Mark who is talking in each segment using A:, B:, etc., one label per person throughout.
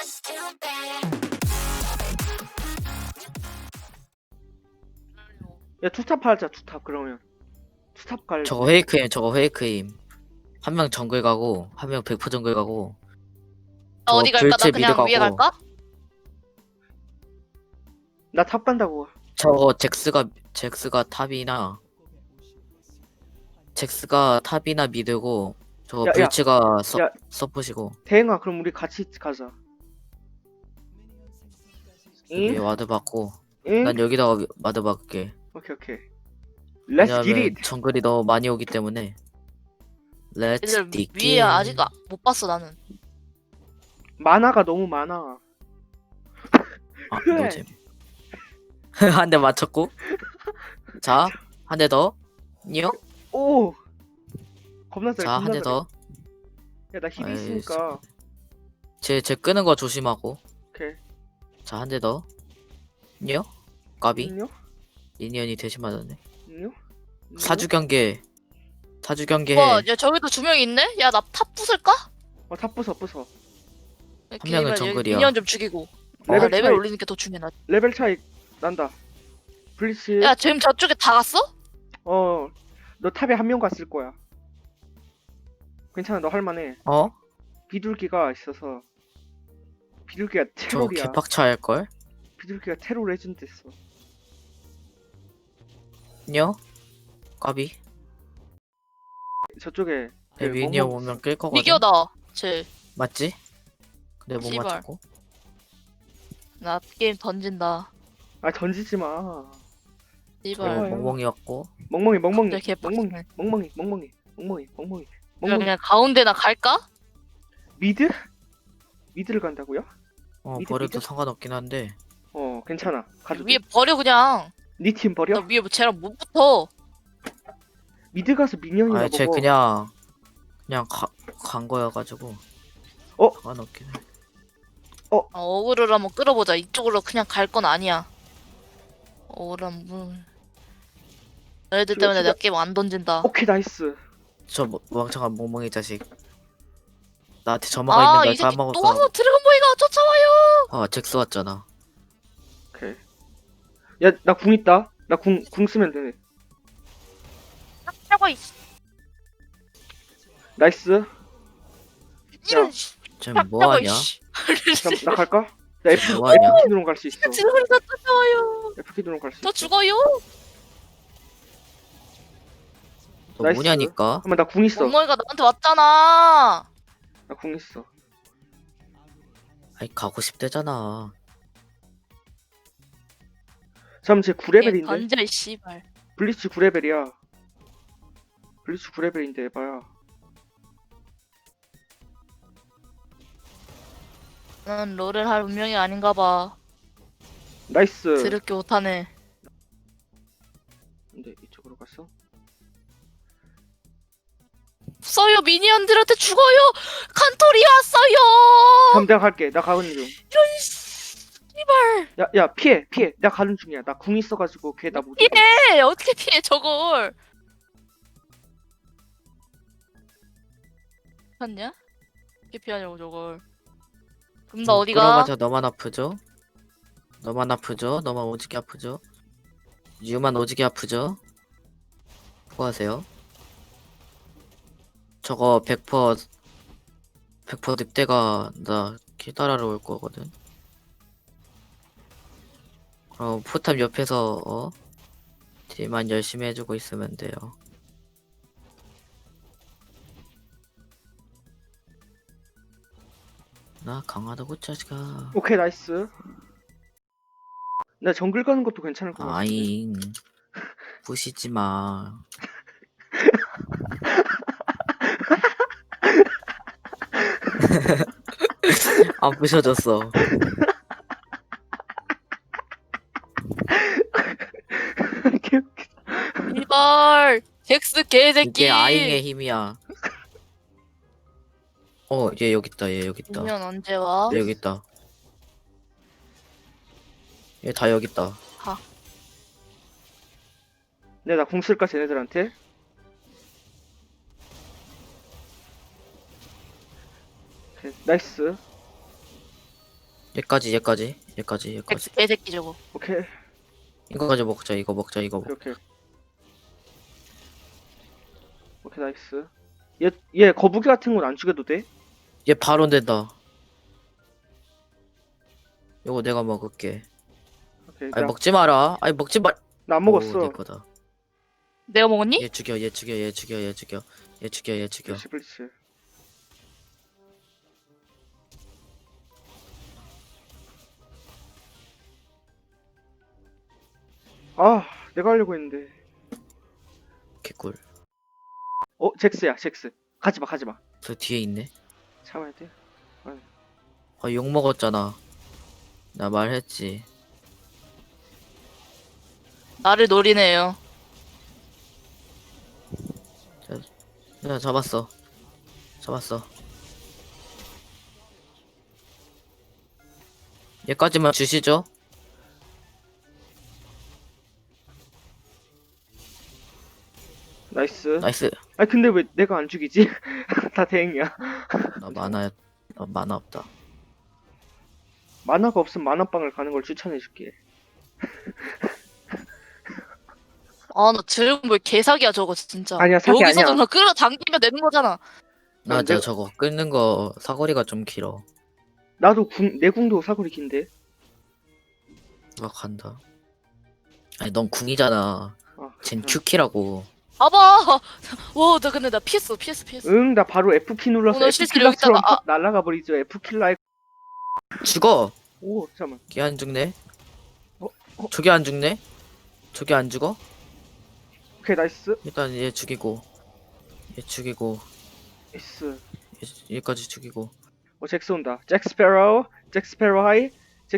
A: 야 투탑 하자. 투탑 그러면 투탑 갈.
B: 저거 페이크임. 한 명 정글 가고, 한 명 100% 정글 가고, 저
C: 어디 갈까? 나
B: 불치 미드
C: 그냥 위에
B: 가고,
C: 갈까?
A: 나 탑 간다고.
B: 저거 잭스가 탑이나 미드고, 저거
A: 야,
B: 불치가
A: 야.
B: 서포시고.
A: 대행아 그럼 우리 같이 가자.
B: 여기
A: 응?
B: 와드 받고,
A: 응?
B: 난 여기다가 와드 받을게.
A: 오케이 오케이. Let's get
B: 왜냐면
A: it.
B: 정글이 너무 많이 오기 때문에. Let's
C: 얘들
B: dig
C: 위에
B: in.
C: 아직 못 봤어 나는.
A: 만화가 너무 많아.
B: 아,
A: 그래.
B: 노잼. 한 대 맞췄고. 자, 한 대 더. 니요?
A: 오. 겁나 잘.
B: 자, 한 대 더.
A: 야나 힐
B: 아이,
A: 있으니까.
B: 제 끄는 거 조심하고.
A: 오케이.
B: 자, 한 대 더. 니요? 까비.
A: 안녕?
B: 미니언이 대신 맞았네.
A: 안녕?
B: 사주 경계
C: 와,
B: 해.
C: 야 저기도 두 명 있네? 야 나 탑 부술까?
A: 탑 부숴 부숴.
C: 이렇게
B: 명은
C: 여기
B: 정글이야.
C: 미니언 좀 죽이고.
A: 레벨
C: 레벨
A: 차이.
C: 올리는 게 더 중요해.
A: 레벨 차이 난다. 블리츠.
C: 야 지금 저쪽에 다 갔어?
A: 너 탑에 한 명 갔을 거야. 괜찮아, 너 할만해.
B: 어?
A: 비둘기가 있어서. 비둘기가
B: 저
A: 테러리야.
B: 개팍차 할걸?
A: 비둘기가 테러 레전드 했어.
B: 니요? 까비.
A: 저쪽에 그
B: 미니언
A: 멍멍
B: 오면 끌 거거든.
C: 이겨 나. 쟤.
B: 맞지? 근데 못
C: 씨발.
B: 맞췄고.
C: 나 게임 던진다.
A: 아 던지지 마.
C: 씨발.
A: 좋아요.
B: 멍멍이었고.
A: 멍멍이
C: 갑자기
A: 멍멍이
C: 개빡치네.
A: 멍멍이
C: 그냥 가운데나 갈까?
A: 미드? 미드를 간다고요?
B: 어,
A: 미드,
B: 버려도
A: 미드?
B: 상관없긴 한데.
A: 괜찮아. 가도
C: 위에
A: 돼.
C: 버려 그냥.
A: 네 팀 버려?
C: 나 위에 뭐 쟤랑 못 붙어.
A: 미드 가서 미니언이나
B: 아니, 쟤
A: 먹어.
B: 그냥 간 거여가지고. 상관없긴 해.
C: 어그를 한번 끌어보자. 이쪽으로 그냥 갈 건 아니야. 어그를 한번. 너희들 때문에 내가 게임 안 던진다.
A: 오케이 나이스.
B: 저 멍청한 멍멍이 자식. 나한테 점화가 있는
C: 이
B: 걸
C: 새끼 또 와서
B: 까먹었어.
C: 드래곤보이가 쫓아와요.
B: 아, 잭스 왔잖아.
A: 오케이. 야 나 궁 있다. 나 궁 쓰면 되네.
C: 하고 있어.
A: 나이스.
C: 이런 씨.
B: 쟤 뭐하냐?
A: 그럼 나 갈까? 나 F
B: 뭐하냐?
A: 키드론 갈 수 있어.
C: 드래곤이가 쫓아와요.
A: F 키드론 갈 수
C: 너
A: 있어.
C: 죽어요.
B: 너
A: 나이스.
B: 뭐냐니까?
A: 잠깐만 나 궁 있어.
C: 멍멍이가 나한테 왔잖아.
A: 나 궁 있어.
B: 아이, 가고 싶대잖아.
A: 잠깐만 쟤 9레벨인데?
C: 던져 이 씨발.
A: 블리츠 9레벨이야. 블리츠 9레벨인데 에바야.
C: 나는 롤을 할 운명이 아닌가 봐.
A: 나이스.
C: 드럽게 못하네.
A: 근데 이쪽으로 갔어?
C: 써요 미니언들한테 죽어요. 칸토리 왔어요.
A: 그럼 내가 갈게. 나 가는 중.
C: 이런 씨발.
A: 야 피해. 나 가는 중이야. 나 궁 있어가지고 걔 나 못 죽여.
C: 피해. 어떻게 피해 저걸? 피했냐? 어떻게 피하냐고 저걸. 그럼 나 어디가?
B: 끌어가자. 너만 아프죠? 너만 오지게 아프죠? 유만 오지게 아프죠? 수고하세요. 저거 100% 늑대가 나 기다라러 올 거거든. 그럼 포탑 옆에서 딜만 열심히 해주고 있으면 돼요. 나 강하다고 짜지가.
A: 오케이 나이스. 나 정글 가는 것도 괜찮을 것 같아.
B: 아잉. 부시지 마. 안 부셔졌어.
C: 이발. 잭스 개새끼.
B: 이게 아잉의 힘이야. 얘 여기 있다. 얘 여기 있다.
C: 미니언 언제 와?
B: 얘 여기 있다. 얘 다 여기 있다.
A: 네, 나 궁 쓸까 쟤네들한테? 오케이, 나이스.
B: 얘까지.
C: 개새끼 저거.
A: 오케이.
B: 이거까지 먹자. 이거 먹자.
A: 오케이. 오케이, 나이스. 얘 거북이 같은 건 안 죽여도 돼?
B: 얘 바로 된다. 요거 내가 먹을게.
A: 오케이.
B: 아니 먹지 마라. 아니 먹지 마.
A: 나 안
B: 오,
A: 먹었어.
B: 내 거다.
C: 내가 먹었니?
B: 얘 죽여.
A: 그렇지. 아, 내가 하려고 했는데.
B: 개꿀.
A: 잭스야, 잭스. 가지마.
B: 저 뒤에 있네.
A: 참아야 돼.
B: 욕 먹었잖아. 나 말했지.
C: 나를 노리네요.
B: 야 잡았어. 얘까지만 주시죠.
A: 나이스.
B: 나이스.
A: 아니, 근데 왜 내가 안 죽이지? 다 대행이야.
B: 나 만화 없다.
A: 만화가 없으면 만화방을 가는 걸 추천해줄게.
C: 아, 나 드래곤볼 개사기야 저거 진짜.
A: 아니야, 사기
C: 여기서도
A: 아니야.
C: 나 끌어당기면 되는 거잖아.
B: 맞아, 저거 끊는 거 사거리가 좀 길어.
A: 나도 내 궁도 사거리 긴데.
B: 나 간다. 아니, 넌 궁이잖아. 쟨 Q키라고.
C: 봐봐. 와, 나 근데 나 피했어.
A: 응, 나 바로 F키 눌러서
C: 오늘 실수로
A: F킬러처럼
C: 여기다가,
A: 팍 날아가 버리죠. F킬러의.
B: 죽어!
A: 오, 잠깐만.
B: 걔 안 죽네?
A: 어?
B: 저게 안 죽네? 저게 안 죽어?
A: 오케이, 나이스.
B: 일단 얘 죽이고.
A: 나이스.
B: 얘까지 죽이고.
A: 잭스 온다. 잭스페로우 하이.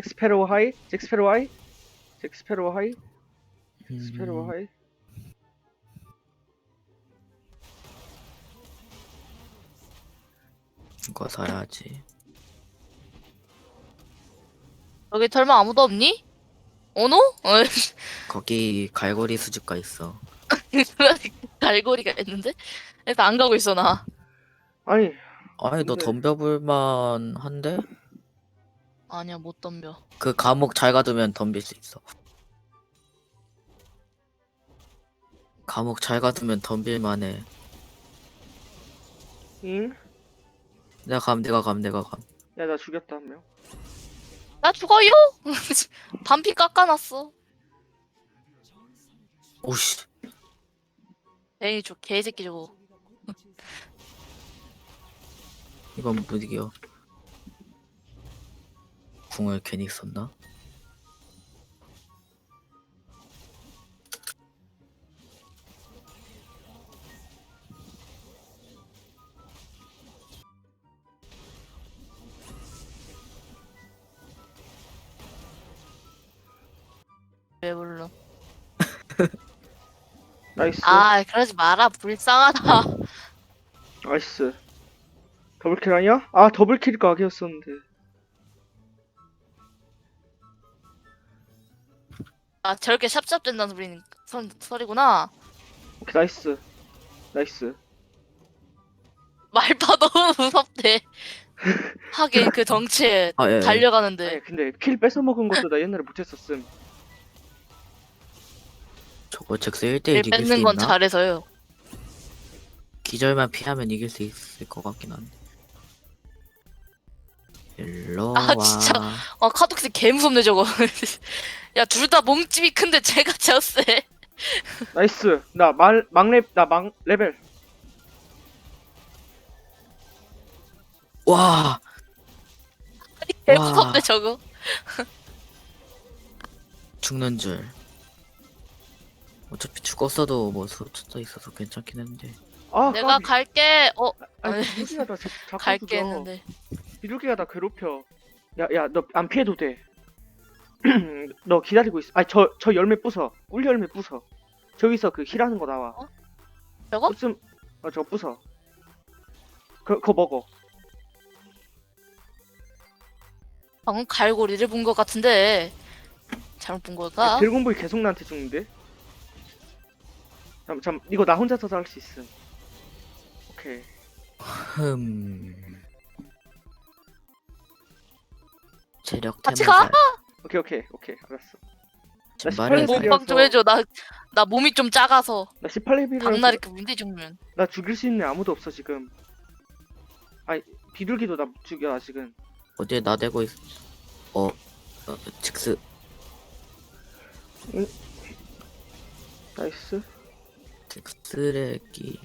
B: 이거 사야지.
C: 여기 설마 아무도 없니? 오노?
B: 거기 갈고리 수집가 있어.
C: 갈고리가 있는데? 그래서 안 가고 있어 나.
A: 아니,
B: 아니, 너
A: 근데-
B: 덤벼볼만 한데?
C: 아니야 못 덤벼.
B: 그 감옥 잘 가두면 덤빌 수 있어. 감옥 잘 가두면 덤빌만해.
A: 잉?
B: 내가 감.
A: 야, 나 죽였다, 한 명.
C: 나 죽어요? 반피 깎아놨어.
B: 오씨.
C: 에이 저 개새끼 저거.
B: 이건 못 이겨. 궁을 괜히 썼나?
C: 왜 불러?
A: 나이스.
C: 아 그러지 마라 불쌍하다.
A: 나이스. 더블킬 아니야? 아, 더블킬 각이었었는데.
C: 아 저렇게 샵샵된다는 소리구나.
A: 오케이, 나이스.
C: 말파 너무 무섭대. 하긴 그 덩치에
B: 아, 예.
C: 달려가는데.
A: 아니, 근데 킬 뺏어먹은 것도 나 옛날에 못했었음.
B: 저거 잭스 1대1 이길 수
C: 뺏는 건
B: 있나?
C: 잘해서요.
B: 기절만 피하면 이길 수 있을 것 같긴 한데. 일로
C: 아,
B: 와.
C: 진짜. 아 카독스 개 무섭네 저거. 야 둘 다 몸집이 큰데 제가 제일 세.
A: 나이스. 나 레벨.
B: 와.
C: 개
B: 와.
C: 무섭네 저거.
B: 죽는 줄. 어차피 죽었어도 뭐 쏟쳐 있어서 괜찮긴 했는데.
A: 아,
C: 내가
A: 까비.
C: 갈게.
A: 아니, 비둘기가 나 자꾸
C: 갈게
A: 그겨.
C: 했는데.
A: 비둘기가 나 괴롭혀. 야, 너 안 피해도 돼. 너 기다리고 있어. 아니, 저 열매 부숴. 꿀 열매 부숴. 저기서 그 힐하는 거 나와.
C: 저거?
A: 저거 부숴. 그거 먹어.
C: 방금 갈고리를 본 것 같은데 잘못 본 걸까?
A: 드래곤볼이 계속 나한테 죽는데? 이거 나 혼자서도 할 수 있음. 오케이.
B: 체력
C: 같이
B: 테마살.
A: 오케이 알았어.
B: 신발의
A: 나
B: 살.
C: 몸빵 좀 해줘. 나 몸이 좀 작아서
A: 나 18레벨이라서
C: 박나리 그 문제 죽으면.
A: 나 죽일 수 있는 애 아무도 없어 지금. 아니 비둘기도 나 못 죽여 아직은.
B: 어디에 나대고 있어. 직스.
A: 나이스.
B: 쓰레기.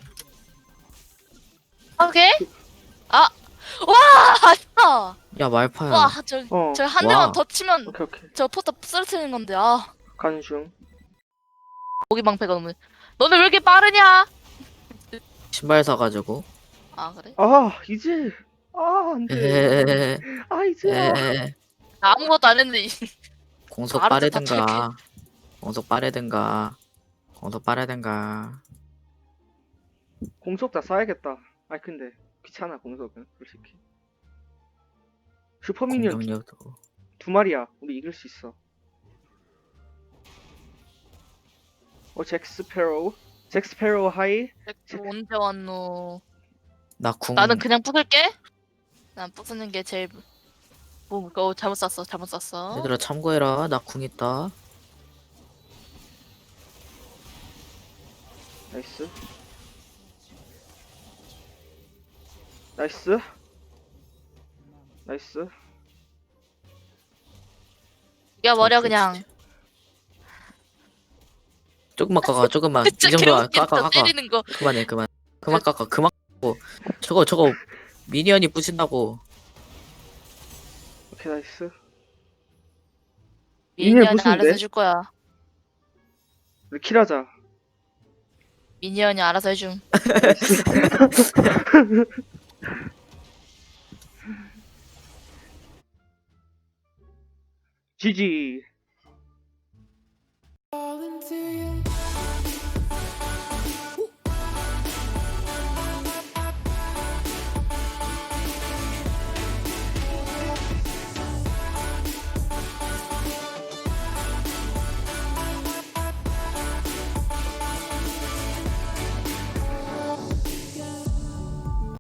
C: 오케이? 아, 와, 진짜.
B: 야 말파야.
C: 와, 저
A: 어.
C: 한
B: 와.
C: 대만 더 치면
A: 오케이.
C: 저 포탑 쓰러뜨리는 건데. 아,
A: 가는 중.
C: 고기 방패가 너무. 너는 왜 이렇게 빠르냐?
B: 신발 사가지고.
C: 아, 그래?
A: 아 이제. 아 안돼.
B: 에헤헤헤.
A: 아 이제.
B: 에헤헤.
C: 나 아무것도 안 했는데.
B: 공속
C: 알아서 다
B: 빠르든가. 공속 빠르든가. 공속 빠르든가.
A: 공속 다 쏴야겠다. 아니 근데 귀찮아 공속은 솔직히. 슈퍼미니언
B: 공격력도.
A: 2마리야. 우리 이길 수 있어. 잭스페로우 하이.
C: 언제 왔노?
B: 나 궁.
C: 나는 그냥 부술게. 난 부수는 게 제일. 잘못 쐈어.
B: 얘들아 참고해라. 나 궁 있다.
A: 나이스. 나이스. 나이스.
C: 야 버려 그냥.
B: 조금만 깎아. 조금만. 이
C: 진짜
B: 정도야.
C: 개웃긴다
B: 깎아.
C: 때리는 거.
B: 그만해. 그만 깎아. 그만 깎고. 저거 미니언이 부신다고.
A: 오케이 나이스.
C: 미니언이
A: 부수는데?
C: 알아서 해줄 거야.
A: 우리 킬하자.
C: 미니언이 알아서 해줌.
A: GG.